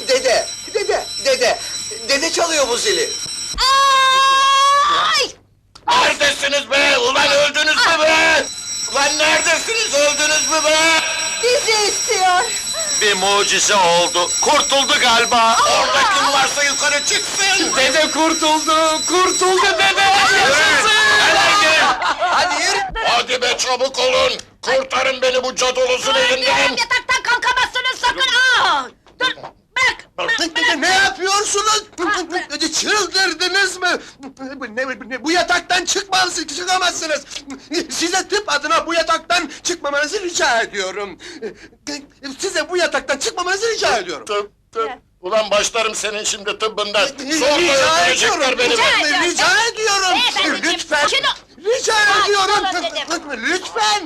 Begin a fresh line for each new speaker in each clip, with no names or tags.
Dede çalıyor bu zili.
Ay!
Neredesiniz be? Ulan öldünüz mü be? Ulan neredesiniz? Öldünüz mü be?
Bizi istiyor!
Bir mucize oldu. Kurtuldu galiba. Orada kim varsa yukarı çıksın.
Dede kurtuldu, kurtuldu dede! Yaşasın!
Hadi yürü. Hadi be çabuk olun. Kurtarın beni bu cadolozun elinden.
Yataktan kalkamazsınız sakın! Aa! Dur, bırak!
Ne yapıyorsunuz? Çıldırdınız mı? Bu yataktan çıkamazsınız. Size tıp adına bu yataktan çıkmamanızı rica ediyorum. Size bu yataktan çıkmamanızı rica ediyorum.
Tıp. Ulan başlarım senin şimdi tıbbından.
Rica
Sonra öldürecekler
ediyorum.
beni.
Rica ediyorum.
Beyefendiciğim,
Lütfen.
sakin ol.
Rica
Sakin
ediyorum.
olun dedim.
Lütfen.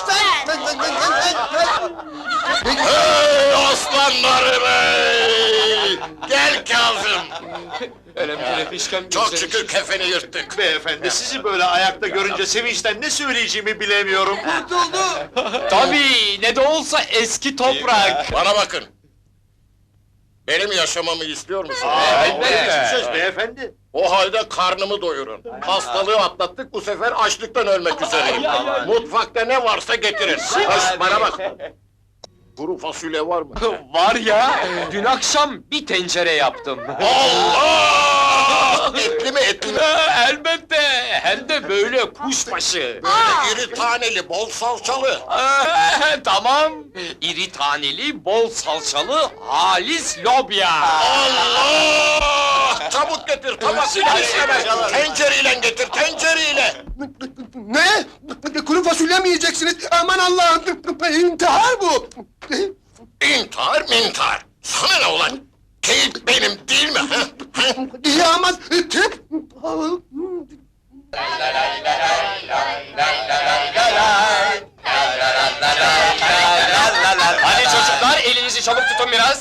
Hey aslanlarım hey! Gel Kazım.
Öyle fişkem
Çok şükür kefeni yırttık.
Beyefendi, sizi böyle ayakta görünce sevinçten ne söyleyeceğimi bilemiyorum.
Tabii, ne de olsa eski toprak!
Bana bakın. Benim yaşamamı istiyor musun?
Ne söz beyefendi?
O halde karnımı doyurun. Hastalığı atlattık, bu sefer açlıktan ölmek üzereyim. Mutfakta ne varsa getirin. Hoş, bana bak. Kuru fasulye var mı?
Var ya, dün akşam bir tencere yaptım.
Allah! Etli mi etli mi?
Elbette, hem de böyle kuşbaşı.
Böyle iri taneli, bol salçalı.
Tamam, iri taneli, bol salçalı, halis lobya.
Allah! Çabuk getir, tabakıyla istemez. Tencereyle getir, tencereyle.
Ne? Kuru fasulye mi yiyeceksiniz? Aman Allah'ım! İntihar bu!
İntihar mintihar. Sana ne ulan? Keyif benim değil mi? Ha? Ha?
İyi ama tıp!
Hadi çocuklar, elinizi çabuk tutun biraz.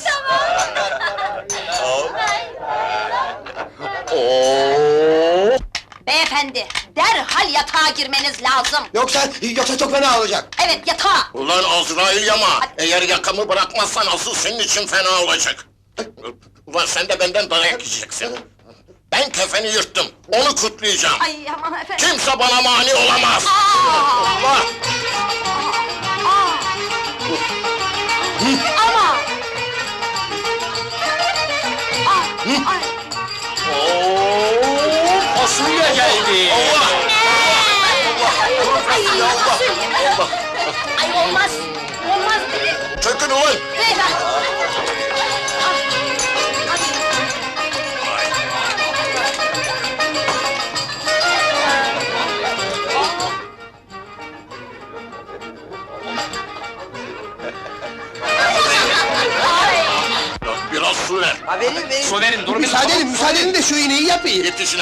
Beyefendi, derhal yatağa girmeniz lazım!
Yoksa çok fena olacak.
Evet, yatağa!
Ulan Azrail yama! Eğer yakamı bırakmazsan asıl senin için fena olacak. Ulan sen de benden dayak yiyeceksin. Ben kefeni yırttım, onu kutlayacağım.
Ay aman efendim!
Kimse bana mani olamaz! Allah!
Ama! Ay!
Fasulye geldi.
Allah!
Ay, ay olmaz! Olmaz dedim!
Çökün ulan!
Beyefendi!
Biraz su ver!
Su verin, dur bir
Müsaade edin de şu iğneyi yapayım.
Git işine!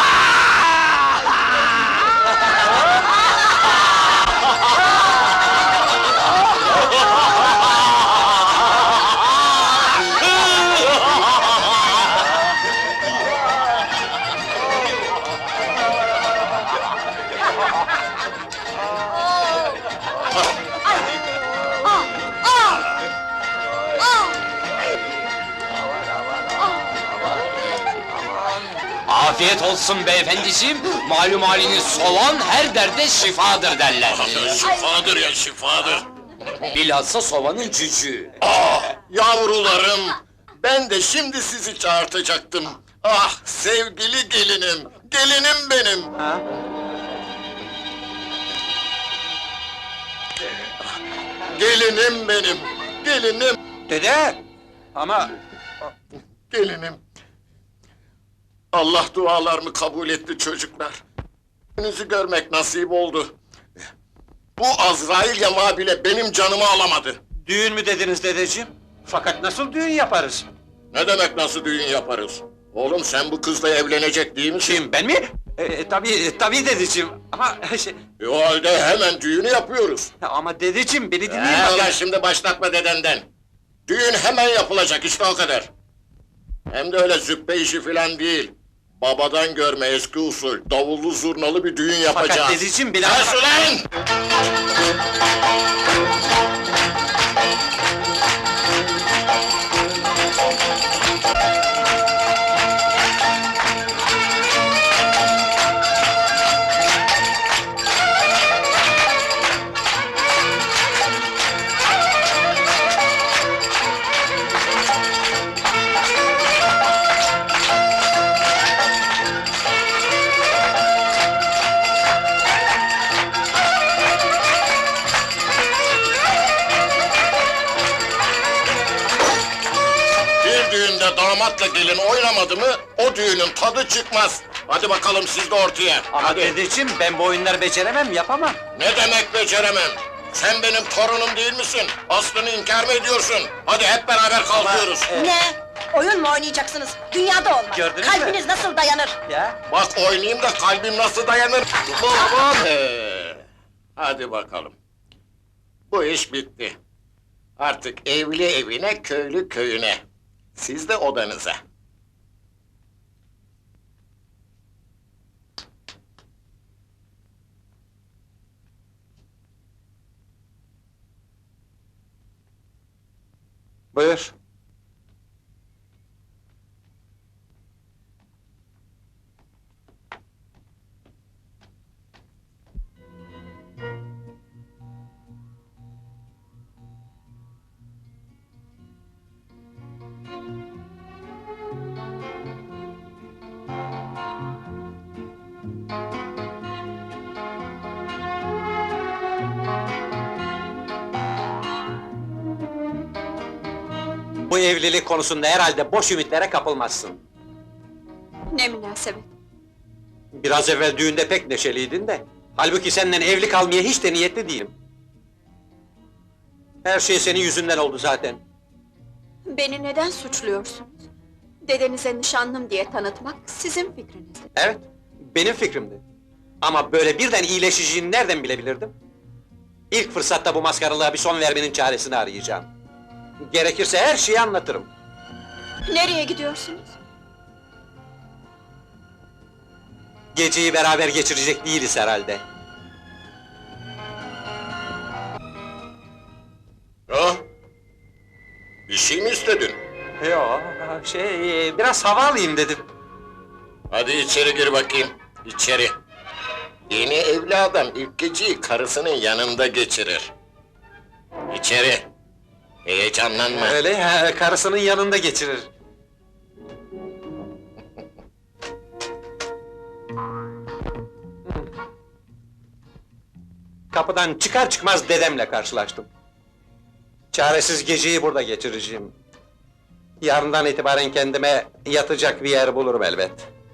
Afiyet olsun beyefendiciğim, malum haliniz soğan her derde şifadır derler.
Şifadır ya, şifadır!
Bilhassa soğanın cücüğü.
Yavrularım! Ben de şimdi sizi çağırtacaktım. Ah sevgili gelinim! Gelinim benim! Gelinim benim! Gelinim!
Dede! Ama...
Gelinim! Allah dualarımı kabul etti çocuklar. Yüzünüzü görmek nasip oldu. Bu Azrail yamağı bile benim canımı alamadı.
Düğün mü dediniz dedeciğim? Fakat nasıl düğün yaparız?
Ne demek nasıl düğün yaparız? Oğlum sen bu kızla evlenecek değil misin?
Kim, ben mi? Tabii dedeciğim. Ama
O halde hemen düğünü yapıyoruz.
ama dedeciğim, beni dinleyin.
Lan şimdi başlatma dedenden. Düğün hemen yapılacak, işte o kadar. Hem de öyle züppe işi filan değil. Babadan görme eski usul, davullu zurnalı bir düğün yapacağız.
Fakat dedeciğim, beni...
Kes ulan! damatla gelin oynamadı mı, o düğünün tadı çıkmaz. Hadi bakalım siz de ortaya.
Ama
Hadi.
dedeciğim, ben bu oyunları beceremem, yapamam.
Ne demek beceremem? Sen benim torunum değil misin? Aslını inkar mı ediyorsun? Hadi hep beraber kalkıyoruz.
Ne? Oyun mu oynayacaksınız? Dünyada olmaz.
Gördünüz mü?
Kalbiniz nasıl dayanır?
Ya?
Bak oynayayım da kalbim nasıl dayanır? Hadi bakalım. Bu iş bitti. Artık evli evine, köylü köyüne. Siz de odanıza.
Buyur. Bu evlilik konusunda herhalde boş ümitlere kapılmazsın.
Ne münasebet.
Biraz evvel düğünde pek neşeliydin de. Halbuki senden evli kalmaya hiç de niyetli değilim. Her şey senin yüzünden oldu zaten.
Beni neden suçluyorsunuz? Dedenize nişanlım diye tanıtmak sizin fikrinizdi.
Evet, benim fikrimdi. Ama böyle birden iyileşeceğini nereden bilebilirdim? İlk fırsatta bu maskaralığa bir son vermenin çaresini arayacağım. Gerekirse her şeyi anlatırım.
Nereye gidiyorsunuz?
Geceyi beraber geçirecek değiliz herhalde.
Ha? Bir şey mi istedin?
Yo, biraz hava alayım dedim.
Hadi içeri gir bakayım, içeri. Yeni evli adam ilk geceyi karısının yanında geçirir. İçeri. Heyecanlanma.
Öyle ya, karısının yanında geçirir. Kapıdan çıkar çıkmaz dedemle karşılaştım. Çaresiz geceyi burada geçireceğim. Yarından itibaren kendime yatacak bir yer bulurum elbet.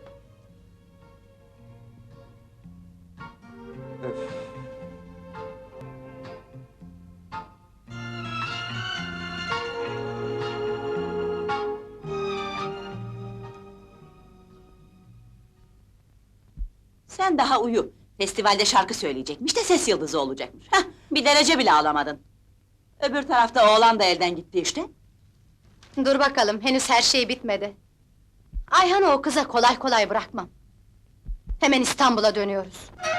Sen daha uyu. Festivalde şarkı söyleyecekmiş de ses yıldızı olacakmış. Hah, bir derece bile alamadın. Öbür tarafta oğlan da elden gitti işte.
Dur bakalım, henüz her şey bitmedi. Ayhan'ı o kıza kolay kolay bırakmam. Hemen İstanbul'a dönüyoruz.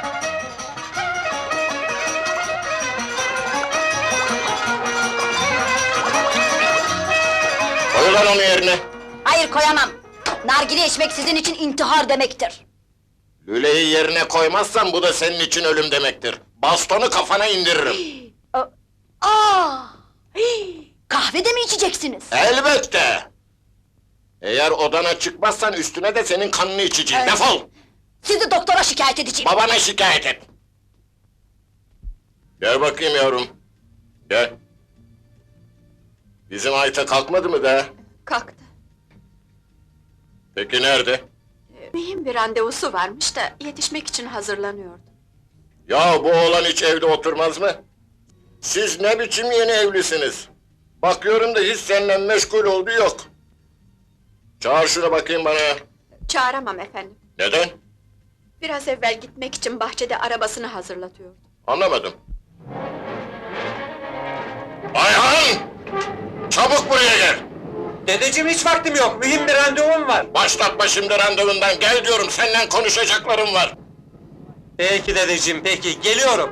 Koy lan onu yerine.
Hayır, koyamam! Nargile içmek sizin için intihar demektir.
Lüleyi yerine koymazsan bu da senin için ölüm demektir. Bastonu kafana indiririm.
Aa! Kahve de mi içeceksiniz?
Elbette! Eğer odana çıkmazsan üstüne de senin kanını içeceğim.
Evet.
Defol!
Sizi doktora şikayet edeceğim.
Babana şikayet et! Gel bakayım yavrum. Gel. Bizim Ayta kalkmadı mı daha?
Kalktı.
Peki nerede?
Mühim bir randevusu varmış da yetişmek için hazırlanıyordu.
Ya bu oğlan hiç evde oturmaz mı? Siz ne biçim yeni evlisiniz? Bakıyorum da hiç seninle meşgul olduğu yok. Çağır şunu bakayım bana.
Çağıramam efendim.
Neden?
Biraz evvel gitmek için bahçede arabasını hazırlatıyordu.
Anlamadım. Ayhan! Çabuk buraya gel!
Dedeciğim hiç vaktim yok, mühim bir randevum var.
Başlatma şimdi randevundan, gel diyorum, seninle konuşacaklarım var.
Peki dedeciğim, peki, geliyorum.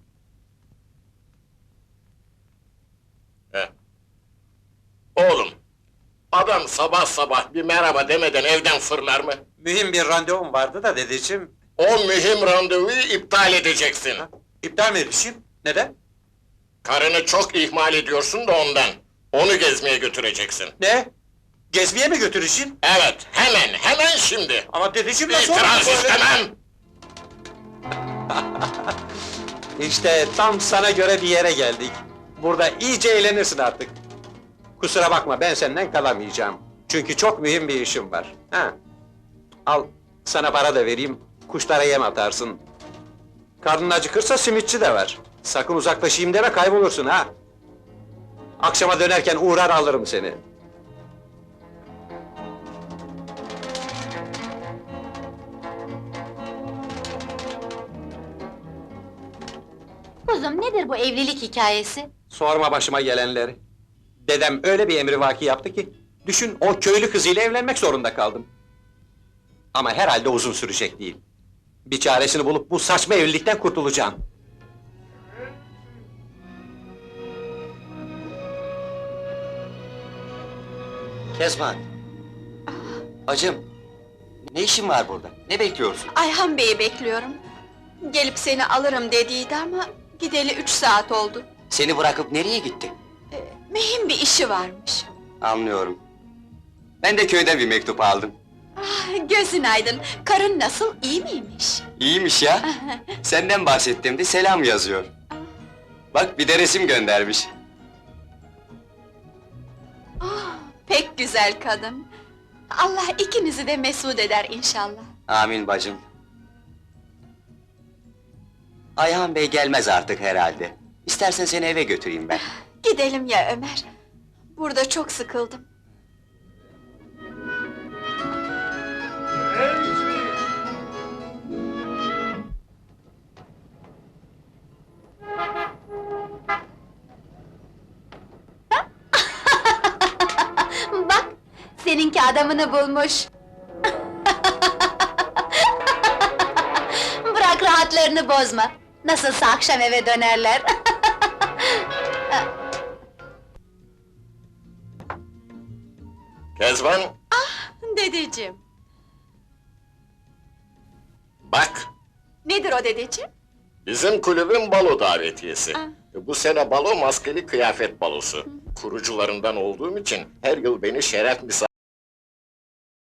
He. Oğlum, adam sabah sabah bir merhaba demeden evden fırlar mı?
Mühim bir randevum vardı da dedeciğim.
O mühim randevuyu iptal edeceksin.
İptal mi edeceğim? Neden?
Karını çok ihmal ediyorsun da ondan. Onu gezmeye götüreceksin.
Ne? Gezmeye mi götüreceğim?
Evet, hemen şimdi!
Ama dedeciğim nasıl olur
İtiraz
böyle?
istemem!
İşte tam sana göre bir yere geldik. Burada iyice eğlenirsin artık. Kusura bakma, ben senden kalamayacağım. Çünkü çok mühim bir işim var. Ha. Al, sana para da vereyim, kuşlara yem atarsın. Karnın acıkırsa simitçi de var. Sakın uzaklaşayım deme, kaybolursun ha! Akşama dönerken uğrar alırım seni.
Kuzum, nedir bu evlilik hikayesi?
Sorma başıma gelenleri. Dedem öyle bir emrivaki yaptı ki... ...düşün, o köylü kızıyla evlenmek zorunda kaldım. Ama herhalde uzun sürecek değil. Bir çaresini bulup bu saçma evlilikten kurtulacağım.
Kezban! Bacım! Ne işin var burada? Ne bekliyorsun?
Ayhan Bey'i bekliyorum. Gelip seni alırım dediydi ama... ...gideli 3 saat oldu.
Seni bırakıp nereye gitti?
Mühim bir işi varmış.
Anlıyorum. Ben de köyden bir mektup aldım.
Ah, gözün aydın, karın nasıl, iyi miymiş?
İyiymiş ya! Senden bahsettiğimde selam yazıyor. Bak bir de resim göndermiş.
Ah, pek güzel kadın. Allah ikinizi de mesut eder inşallah.
Amin bacım. Ayhan Bey gelmez artık herhalde. İstersen seni eve götüreyim ben.
Gidelim ya Ömer. Burada çok sıkıldım.
Bak, seninki adamını bulmuş. Bırak rahatlarını bozma. Nasılsa akşam eve dönerler.
Kezban,
Dedeciğim,
bak!
nedir o dedeciğim?
Bizim kulübün balo davetiyesi.
Ah.
Bu sene balo maskeli kıyafet balosu. Kurucularından olduğum için her yıl beni şeref misafir